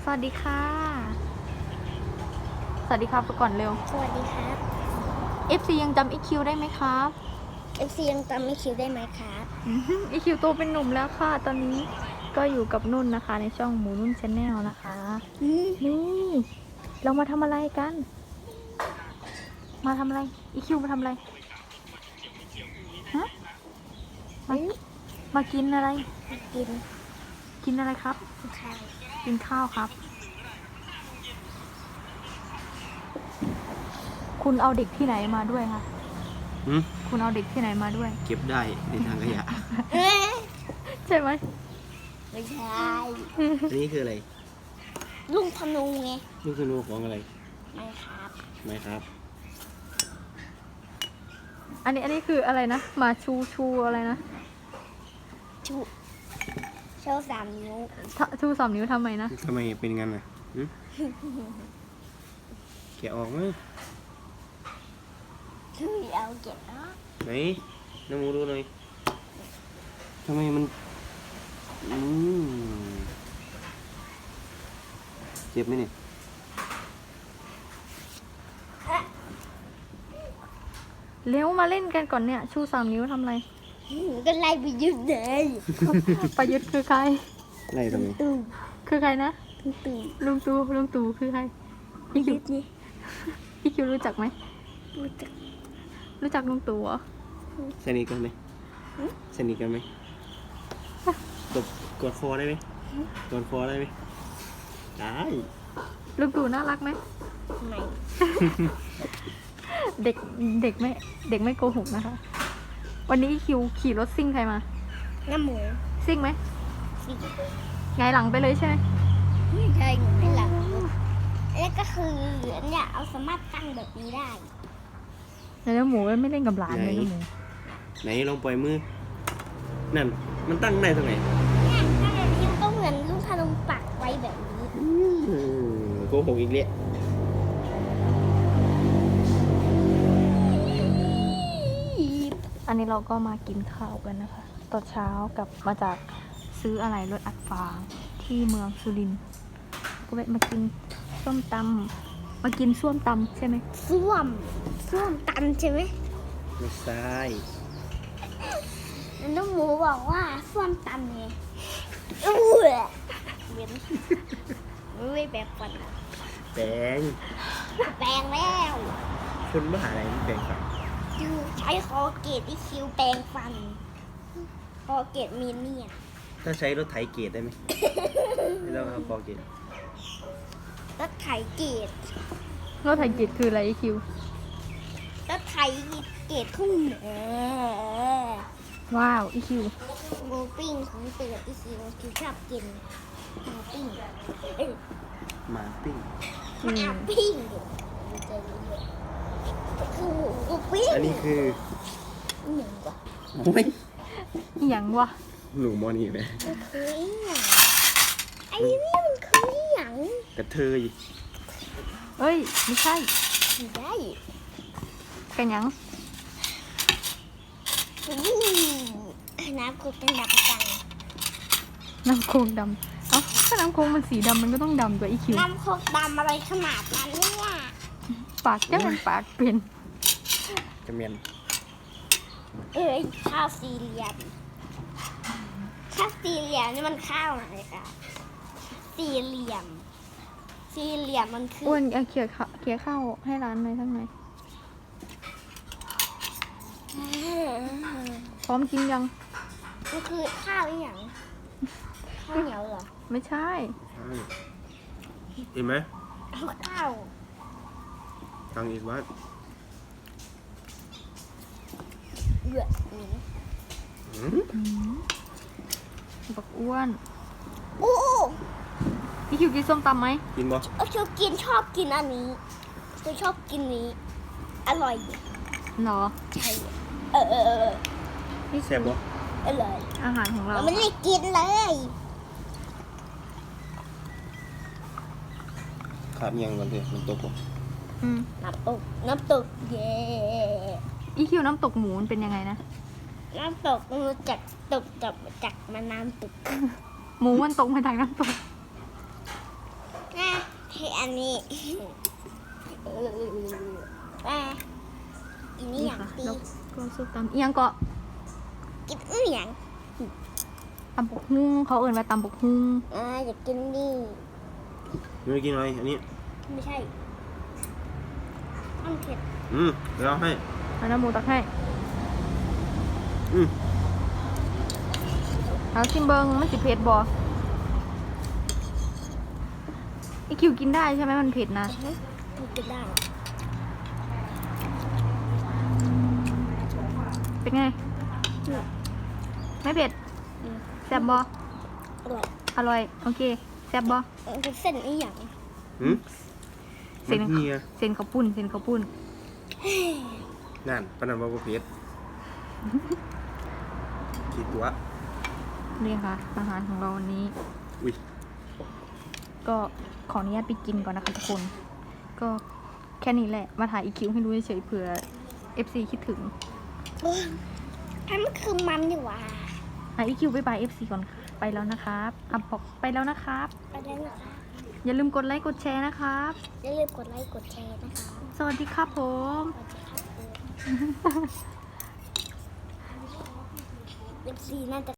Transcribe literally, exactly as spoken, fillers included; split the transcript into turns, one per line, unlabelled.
วัสดีค่ะสวัสดีครับไปก่อนเร็ว
สวัสดีครับ
เอฟ ซี ยังจำ อี คิว ได้ไหมครับ
เอฟซียังจำไม่คิวได้ไหมครับ
อี คิว โตเป็นหนุ่มแล้วค่ะ ตอนนี้ก็อยู่กับนุ่นนะคะ ในช่องหมูนุ่นชาแนลนะคะ
อืม
นี่เรามาทำอะไรกัน มาทำอะไร อี คิว มาทำอะไรฮะมามากินอะไร
กิน
กินอะไรครับ
ข้าว
กินข้าวครับ คุณเอาเด็กที่ไหนมาด้วยคะ
หืม
คุณเอาเด็กที่ไหนมาด้วย
เก็บได้ในทางขยะ
เอ๊ะ
ใช่ไหม
ไม่ใช่
อันนี้คืออะไร
ลุงพนุงไง
นี่คือนูของอะไร
ไม่ครับ
ไหมครับ
อันนี้อันนี้คืออะไรนะ มาชูชูอะไรนะ
ชูโชว์สามนิ้ว
ทะชูสามนิ้วทำไมนะ
ทำไมเป็นงั้นน่ะหืมแกะออกไหม
คือเอาเก็บเนาะ
ไหนน้ำมูดูหน่อยทำไมมันอืมเจ็บไหมเนี่ย
เร็วมาเล่นกันก่อนเนี่ย ชูสามนิ้วทำอะไร
ก็ไล่ไปยืดเลย
ประยุทธ์คือใคร
ไล่ทำไม
ตู้
คือใครนะ
ตู้ตู้
ลุงตูลุงตูคือใครพี่คิ
ยื
ว
ดนี่
พี่คิวรู้จักไหม
รู้จัก
รู้จักลุงตูเหรอ
สนิทกันไหมสนิทกันไหมตบกอดคอได้ไหมกอดคอได้ไหมได้
ลุงตูน่ารักไหม
ไหน
เด็กเด็กไม่เด็กไม่โกหกนะคะ วันนี้คิวขี่รถซิ่งใครมา
น้ำหมู
ซิ่งไหม
สิ
ไงายหลังไปเลยใช่ไหม
ไม่ใช่หนูไม่หลับแล้วก็คือเนี่ยเอาสามารถตั้งแบบนี้ได้
แล้วหมูไม่เล่นกับหลานเลยนะหมู
ไหนลองปล่อยมือนั่นมันตั้งได้ตรงไหน
เนี่ยถ้าแบบนี้ก็เหมือนลูกพนมปักไว้แบบนี้
อืมโกหกอีกแล้ว
อันนี้เราก็มากินข้าวกันนะคะตอนเช้ากับมาจากซื้ออะไรรถอัดฟางที่เมืองสุรินทร์ก็แวะมากินส้มตำมากินส้วมตำใช่ไหม
ส้วมส้วมตันใช่ไหม
ไม่ใช่
แล้วน้องหมูบอกว่าส้วมตันไงอู้ยเว้นไม่แบบฟันอะ
แปลง
แปลงแล้ว
คนบ้าอะไรนี่แปลงครับ
ดูใช้คอเกตที่คิวแปลงฟันคอเกตมีเนี่ย
ถ้าใช้รถไถเกตได้ไหม ไม่ต้องเอาปอเกต
รถไถเกต
รถไถเกียรคืออะไรคิว
รถไถเกตทุ่งเหนือ
ว้าวอีคิว
หมูปิ้งของเตือที่คิวคิวชอบกินหมูปิ้งเอ้ย
หมาปิ้ง
อื
หมาม ปิ้งใจเย็นคือหมูปิ้ง
อันนี้คือ
หนึ่งกว่า
โอ้ย
อหย่างวะ
หนูมอนี่เลย
มันคืออหย่างไอ้นี่มันคืออหย่าง
กระเทย
เอ้ยไม่ใช่
ไม่ได้
กันหยัง
อืมน้ำกูเป็นดับจัง
น้ำโคงดำเอ้าถ้าน้ำโคงมันสีดำมันก็ต้องดำกว่าอีคิว
น้ำโคกดำอะไรขนาดนั้นเนี่ย
ปากจะเป็นปากเป็น
กระเมียน
เอ้ยข้าวสี่เหลี่ยมข้าวสี่เหลี่ยมนี่มันข้าวอะไรคะสี่เหลี่ยม สี่เหลี่ยมมันคือ
อ้วนเอาเขี่ยข้าวเขี่ยข้าวให้ร้านหน่อยทั้งไหนพร้อมกินยัง
มันคือข้าวอหย่างข้าวเหนียวเหรอ
ไม่ใช่
เห็นไหม
ข้าว
ตังอีกวัด
เบื่อหนี
อืม
บักอ้วน
โอ้
พี่คิวกินส้มตำไหม
กินบ่
เออชอบกินชอบกินอันนี้ฉันชอบกินนี้ อร่อย
หรอ
ใช่เออเออเออ
พี่
แซ่บบ่
อร่อย
อาหารของเรา
เราไม่ได้กินเลย
ขาดยังกันเลยมันตกบ่
อืม
น้ำตกน้ำตกเย่
อีคิวน้ำตกหมูมันเป็นยังไงนะ
น้ำตกมันรู้จักตกจับจากมาน้ำตก
หมูมันตกมาจากน้ำตก
ให้อันนี้เอออ่ะอันนี้อย่าง
ค่ะ
ตี
แล้วก็ส้มตำเอียงเกาะ
กินอื้ออย่าง
ตำบกฮุ้งเขาเอ่นว่าตำบกฮุ้ง
อ่าอยากกินนี่
ไม่กินอะไรอันนี้
ไม่ใช่มันเผ็ด
อืมเดี๋ยวเอาให้
เอาน้ำหมูตักให้
อืม
เอาชิมเบิงมันสิเผ็ดบ่ไอคิวกินได้ใช่ไหมมันเผ็ดนะ
มันกินได้
เป็นไง ไม่เผ็ด
อืม
แซ่บบ่
อร่อย
อร่อย โอเค แซ่บบ่
มันเป็นเส้นอีหยัง
อืม
เส้น
มันเฮีย
เส้นข้าวปุ้นเส้นข้าวปุ้น
นั่นปนันบาบเพชรกี่ตัว
นี่ค่ะ อาหารของเราวันนี้
อุ้ย
ก็ขออนุญาตไปกินก่อนนะคะทุกคน ก็แค่นี้แหละ มาถ่ายอีคิวให้ดูเฉยๆเผื่อ เอฟ ซี คิดถึง
อันมันคือมันดีกว่า
อ่ะอีคิวไปบาย เอฟ ซี ก่อนค่ะ ไปแล้วนะครับอ่ะบอกไปแล้วนะครับ
ไปได้นะคะ
อย่าลืมกดไลค์กดแชร์นะครับ
อย่าลืมกดไลค์กดแชร์นะคะ
สวัสดีครับผม
สวัสดีครับเอฟซีน่าจะ